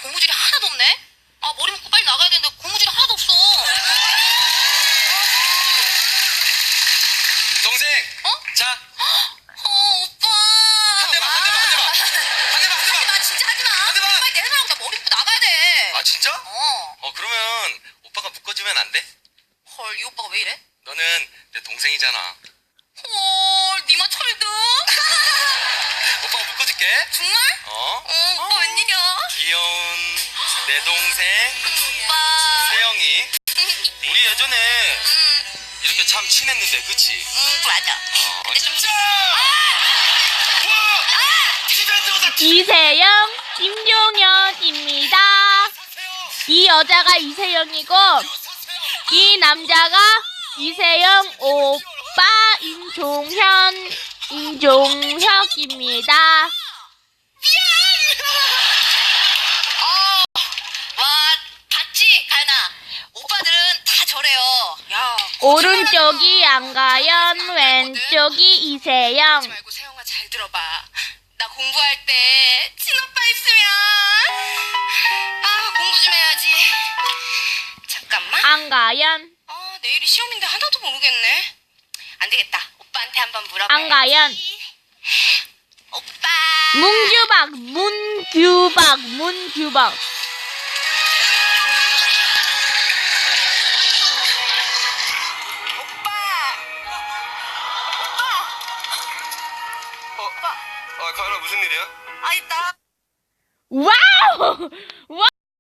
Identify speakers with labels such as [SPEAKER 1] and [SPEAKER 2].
[SPEAKER 1] 고무줄이 하나도 없네? 아, 머리 묶고 빨리 나가야 되는데 고무줄이 하나도 없어.
[SPEAKER 2] 동생.
[SPEAKER 1] 어?
[SPEAKER 2] 자.
[SPEAKER 1] 오빠.
[SPEAKER 2] 한 대만.
[SPEAKER 1] 진짜 하지 마.
[SPEAKER 2] 한 대만.
[SPEAKER 1] 빨리 내려놓고 나 머리 묶고 나가야 돼.
[SPEAKER 2] 아, 진짜?
[SPEAKER 1] 어.
[SPEAKER 2] 그러면 오빠가 묶어주면 안 돼?
[SPEAKER 1] 헐, 이 오빠가 왜 이래?
[SPEAKER 2] 너는 내 동생이잖아.
[SPEAKER 1] 헐, 니마 철든?
[SPEAKER 2] 오빠가 묶어줄게.
[SPEAKER 1] 정말? 오빠 웬일이야?
[SPEAKER 2] 귀여운 내 동생
[SPEAKER 1] 오빠.
[SPEAKER 2] 세영이. 우리 예전에 이렇게 참 친했는데, 그치?
[SPEAKER 1] 맞아. 근데 좀
[SPEAKER 3] 이세영, 김종현입니다. 이 여자가 이세영이고 이 남자가 이세영 오빠 임종혁입니다.
[SPEAKER 1] 와, 봤지, 가연아? 오빠들은 다 저래요. 야,
[SPEAKER 3] 오른쪽이 안가연, 왼쪽이 이세영.
[SPEAKER 1] 하지 말고 세영아 잘 들어봐. 나 공부할 때 친오빠 있으면 공부 좀 해야지. 잠깐만.
[SPEAKER 3] 안가연,
[SPEAKER 1] 내일이 시험인데 하나도 모르겠네. 안 되겠다. 오빠한테 한번 물어봐.
[SPEAKER 3] 안가연.
[SPEAKER 1] 오빠.
[SPEAKER 3] 문규박.
[SPEAKER 2] 가연아, 무슨 일이야?
[SPEAKER 1] 있다.
[SPEAKER 3] 와우!